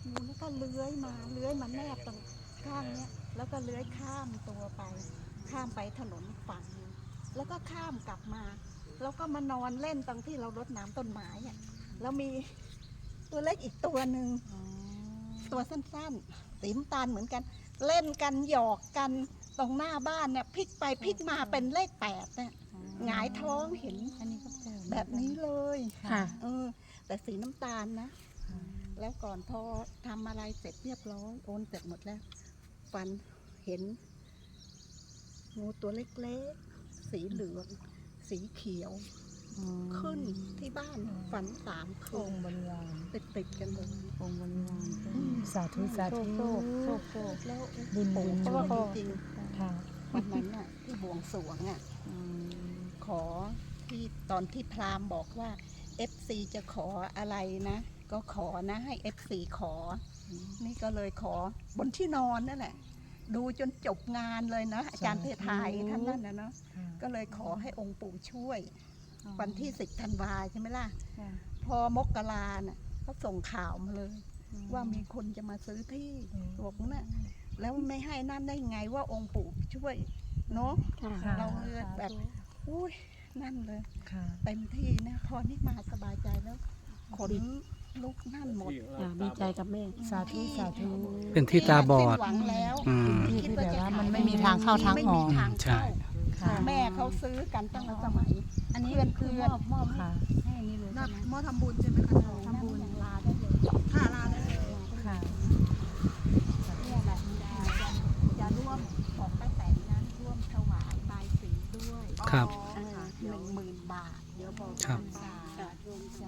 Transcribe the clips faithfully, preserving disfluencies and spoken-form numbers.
งูแล้วก็เลื้อยมาเลื้อยมาแนบตรงข้างเนี้ยแล้วก็เลื้อยข้ามตัวไปข้ามไปถนนอีกฝั่งนึงแล้วก็ข้ามกลับมาแล้วก็มานอนเล่นตรงที่เรารดน้ำต้นไม้อะแล้วมีตัวเล็กอีกตัวหนึ่งตัวสั้นๆสีน้ำตาลเหมือนกันเล่นกันหยอกกันตรงหน้าบ้านเนี่ยพลิกไปพลิกมาเป็นเลขแปดเนี่ยหงายท้องเห็นอันนี้ก็แบบนี้เลยค่ะเออแต่สีน้ำตาลนะแล้วก่อนพอทำอะไรเสร็จเรียบร้อยโอนเสร็จหมดแล้วฟันเห็นงูตัวเล็กๆสีเหลืองสีเขียวขึ้นที่บ้านฝันสามคืนบริวารติดติดกันเลยองค์บริวารสาธุสาธุโชคโชคโชคแล้วบุญบุญเพราะว่าจริงวันนั้นน่ะที่บวงสรวงอ่ะขอที่ตอนที่พราหมณ์บอกว่า เอฟ ซี จะขออะไรนะก็ขอนะให้ เอฟ ซี ขอนี่ก็เลยขอบนที่นอนนั่นแหละดูจนจบงานเลยนะอาจารย์เพทายท่านนั่นนะเนาะก็เลยขอให้องค์ปู่ช่วยวันที่สิบธันวาใช่ไหมล่ะพอมกราน่ะเขาส่งข่าวมาเลยว่ามีคนจะมาซื้อที่บอกน่ะแล้วไม่ให้นั่นได้ไงว่าองค์ปู่ช่วยเนาะเราเลยแบบอุ้ยนั่นเลยเต็มที่นะพอนี่มาสบายใจแล้วขนลุกนั่นหมดดีใจกับแม่สาธุสาธุเป็นที่ตาบอดคิดว่าจะมันไม่มีทางเข้าทางออกใช่แม่เขาซื้อกันตั้งแต่สมัยอันนี้เป็นคือมอบมอบให้อันนี้เลยมอทำบุญใช่ไหมคะทำบุญลาได้เลยค่ะลาได้เลยค่ะเนี่ยแหละจะร่วมของป้าแตนนั้นร่วมถวายบายสีด้วยครับหนึ่งหมื่นบาทเดี๋ยวบอกครับรวมใจ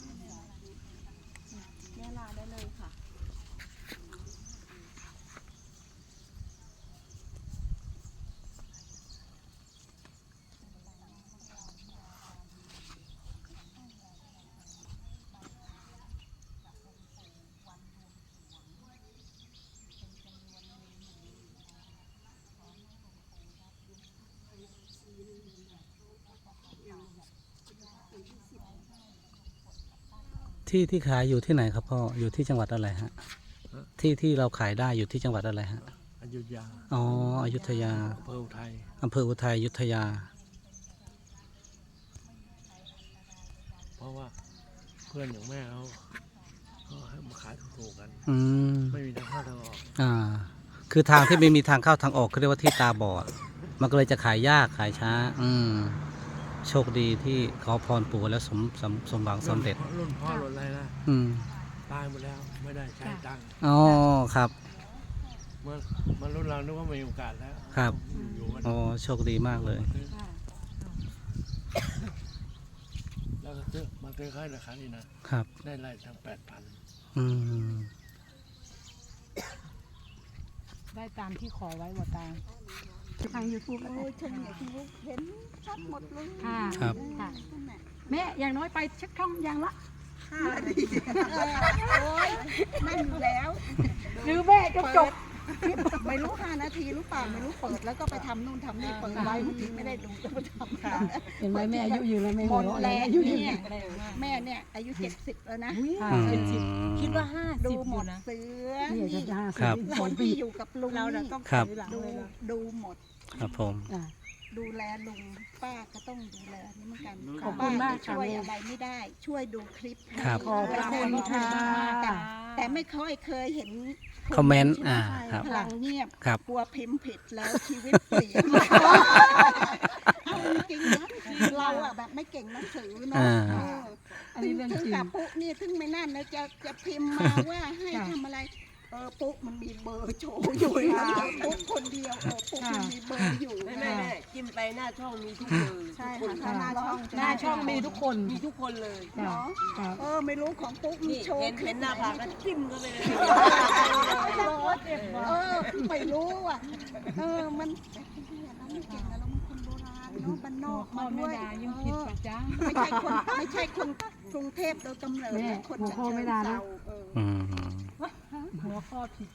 เนี่ยลาได้เลยค่ะที่ที่ขายอยู่ที่ไหนครับพ่ออยู่ที่จังหวัดอะไรฮะที่ที่เราขายได้อยู่ที่จังหวัดอะไรฮะอยุธยาอ๋ออยุธยาอำเภออุทัยอำเภออุทัยอยุธยาเพราะว่าเพื่อนอย่างแม่เขาเขาให้มาขายถูกๆกันอืมไม่มีทางเข้าทางออกอ่าคือทางที่ไม่มีทางเข้าทางออกเขาเรียกว่าที่ตาบอดมันก็เลยจะขายยากขายช้าอืมโชคดีที่ขอพรปู่แล้วสมสมสมหวังสำเร็จรุ่นพ่อรุ่นอะไรนะอืมตายหมดแล้วไม่ได้ใช้ตังค์อ๋อครับเมื่อมันรุ่นเรานึกว่ามีโอกาสแล้วครับอ๋อโชคดีมากเลยแล้วก็ซื้อมาซื้อค่ายราคานี่นะครับได้ไล่ทั้งแปดพันอืมได้ตามที่ขอไว้หมดตามทางยูทูบโอ้ยทางยูทูบเห็นชัดหมดเลยค่ะครับแม่อย่างน้อยไปเช็คช่องอย่างละห้านาทีโอ้ยนั่นอยู่แล้วหรือแม่จะจบไม่รู้ห้านาทีรู้เปล่าไม่รู้เปิดแล้วก็ไปทำนู่นทำนี่เปิดไว้บางทีไม่ได้ดูก็ไปทำค่ะเห็นไหมแม่อายุยืนแล้วแม่หมดแรงอายุยืนแม่เนี่ยอายุเจ็ดสิบแล้วนะคิดว่าห้าดูสิบหมดเสือนี่คนที่อยู่กับลุงเราต้องดูดูหมดครับผมดูแลลุงป้าก็ต้องดูแลนี่เหมือนกันขอบคุณมากช่วยอะไรไม่ได้ช่วยดูคลิปขอบคุณค่ะแต่ไม่ค่อยเคยเห็นคอมเมนต์อ่าครับพลังเงียบกลัวพิมพ์ผิดแล้วชีวิตเปลี่ยนจริงนะเราอะแบบไม่เก่งหนังสือเนาะอันนี้เรื่องจริงกับปุ๊นี่ถึงไม่นั่นนะจะจะพิมพ์มาว่าให้ทำอะไรเออปุ๊มันมีเบอร์โชว์อยู่นะปุ๊คนเดียวเออปุ๊มันมีเบอร์อยู่ไม่ไม่ไม่จิ้มไปหน้าช่องมีทุกเบอร์ใช่ค่ะหน้าช่องหน้าช่องมีทุกคนมีทุกคนเลยเนาะเออไม่รู้ของปุ๊มีโชว์เห็นหน้าผากก็จิ้มเข้าไปเลยเออไม่รู้อ่ะเออมันไม่เก่งนะเรามันคนโบราณเนาะบ้านนอกมาด้วยยังผิดประจ้าไม่ใช่คนไม่ใช่คนกรุงเทพโดยกำเนิดคนจะเชิญเซาหัวข้อผิด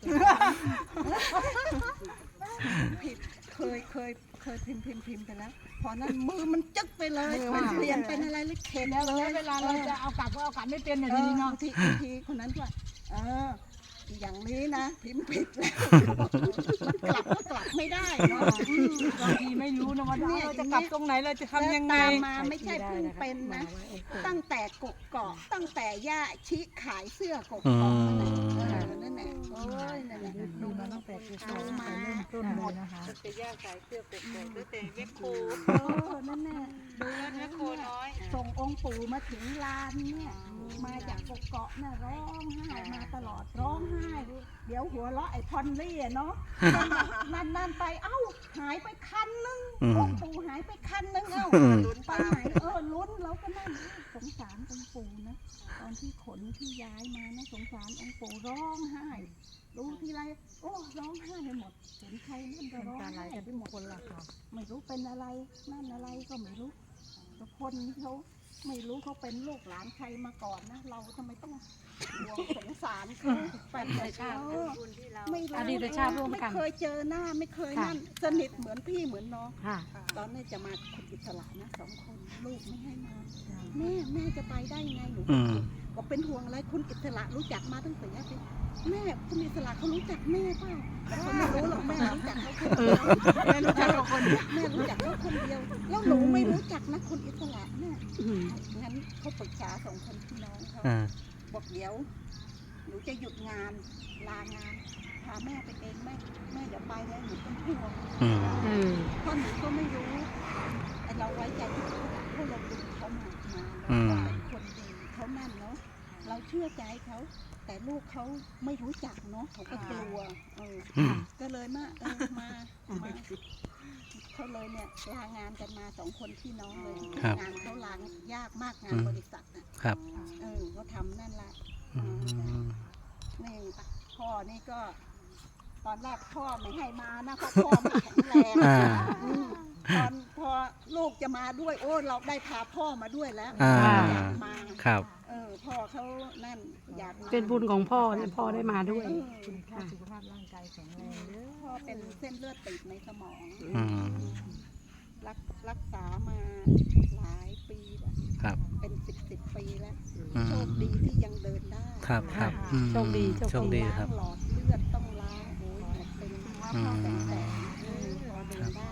ผิดเคยเคยเคยพิมพ์พิมพ์พิมพ์ไปแล้วพอนั้นมือมันจึ๊กไปเลยมันเปลี่ยนเป็นอะไรเลยเข็นแล้วเวลาเราจะเอากลับก็เอากลับไม่เป็นอย่างนี้เนาะทีทีคนนั้นว่าเอออย่างนี้นะพิมพ์ผิดแล้วมันกลับก็กลับไม่ได้เนาะอืมบางทีไม่รู้นะว่าเราจะกลับตรงไหนเราจะทำยังไงแล้วตามมาไม่ใช่เพิ่งเป็นนะ ตั้งแต่กกเกาะตั้งแต่ย่าชิขายเสื้อกกอืเกาะมนั่นแหละเออนั่นแหละโอ้ยนั่นแหละดูมาตั้งแต่เอามาต้นหมดนะคะจะย่าขายเสื้อกกอกตั้งแต่แม่โคเออนั่นแหละดูแล้วแม่โคน้อยส่งองค์ปู่มาถึงลานเนี่ยมาจากกกเกาะน่ะร้องไห้มาตลอดร้องไห้ เดี๋ยวหัวเราะไอ้พอนลี่อะเนาะนานๆไปเอ้าหายไปคันนึงอืมองค์ปู่หายไปคันนึงเอ้าอืมลุ้นไปไหนเออลุ้นเราก็นั่นสงสารองค์ปู่นะตอนที่ขนที่ย้ายมานะสงสารองค์ปู่ร้องไห้ดูทีไรโอ้ร้องไห้ไปหมดเห็นใครนั่นก็ร้องไห้ไปหมดคนละค่ะไม่รู้เป็นอะไรนั่นอะไรก็ไม่รู้แต่คนที่เขาไม่รู้เขาเป็นลูกหลานใครมาก่อนนะเราทำไมต้องห่วงสงสารเขาเป็นแต่ชาติไม่รู้อดีตชาติร่วมกันไม่เคยเจอหน้าไม่เคยนั่นสนิทเหมือนพี่เหมือนน้องค่ะตอนนี้จะมาคุณอิสระนะสองคนลูกไม่ให้มาแม่แม่จะไปได้ไงหนูอืมบอกเป็นห่วงอะไรคุณอิสระรู้จักมาตั้งแต่แรกเลยแม่คุณอิสระเขารู้จักแม่เปล่าเขาไม่รู้หรอกแม่รู้จักเขาคนเดียวแม่รู้จักเขาคนเดียวแม่รู้จักเขาคนเดียวแล้วหนูไม่รู้จักนะคุณอิสระแม่งั้นเขาปรึกษาสองคนพี่น้องเขาอ่าบอกเดี๋ยวหนูจะหยุดงานลางานพาแม่ไปเองแม่แม่เดี๋ยวไปแล้วหนูเป็นห่วงอืมเพราะหนูก็ไม่รู้ไอ้เราไว้ใจที่เขาเพราะเราดูเขามามาอืมเราเป็นคนดีเขานั่นเนาะเราเชื่อใจเขาแต่ลูกเขาไม่รู้จักเนาะเขาก็กลัวเอออืมก็เลยมาเออมามาเขาเลยเนี่ยลางานกันมาสองคนพี่น้องเลยครับงานเขาลางยากมากงานบริษัทน่ะครับเออเขาทำนั่นแหละอืมนี่พ่อนี่ก็ ตอนแรกพ่อไม่ให้มานะเพราะพ่อไม่แข็งแรงอ่าอืมตอนพอลูกจะมาด้วยโอ้เราได้พาพ่อมาด้วยแล้วอ่าอยากมาครับเออพ่อเขานั่นอยากมาเป็นบุญของพ่อเนี่ยพ่อได้มาด้วยเออคุณค่าสุขภาพร่างกายแข็งแรงเด้อพ่อเป็นเส้นเลือดตีบในสมองอืมรักรักษามาหลายปีแล้วครับเป็นสิบสิบปีแล้วอืมโชคดีที่ยังเดินได้ครับครับอืมโชคดีโชคดีโชคดีครับล้างหลอดเลือดต้องล้างโอ้ยหมดเป็นอืมแสนแสนเออพอเดินได้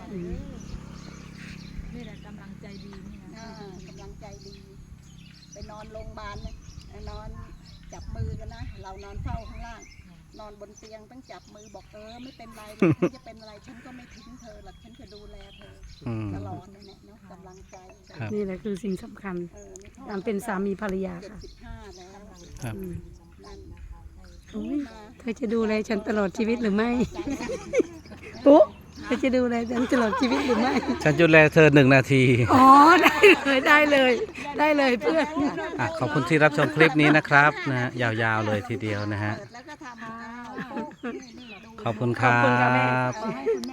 นี่แหละกำลังใจดีนี่นะอ่ากำลังใจดี ไปนอนโรงพยาบาลเนี่ยนอนจับมือกันนะ เรานอนเฝ้าข้างล่าง นอนบนเตียงต้องจับมือบอกเออไม่เป็นไรหรอกฉันจะเป็นอะไรฉันก็ไม่ทิ้งเธอหรอกฉันจะดูแลเธออืมตลอดเลยเนี่ยเนาะกำลังใจครับนี่แหละคือสิ่งสำคัญเออนี่พ่อการเป็นสามีภรรยาเจ็ดค่ะสิบห้าแล้วครับอืมนั่นอุ๊ยมาเธอจะดูแลฉันตลอดชีวิตหรือไม่ ปุ๊เธอจะดูแลฉันตลอดชีวิตหรือไม่ฉันจะดูแลเธอหนึ่งนาทีอ๋อ ได้เลยได้เลย ได้เลยเพื่อนอ่ะขอบคุณที่รับชมคลิปนี้นะครับนะฮะยาวๆเลยทีเดียวนะฮะเปิดแล้วก็ทำอ้าวปุ๊บนี่นี่ดูขอบคุณครัขอบคุณค่ะแม่บขอให้คุณแม่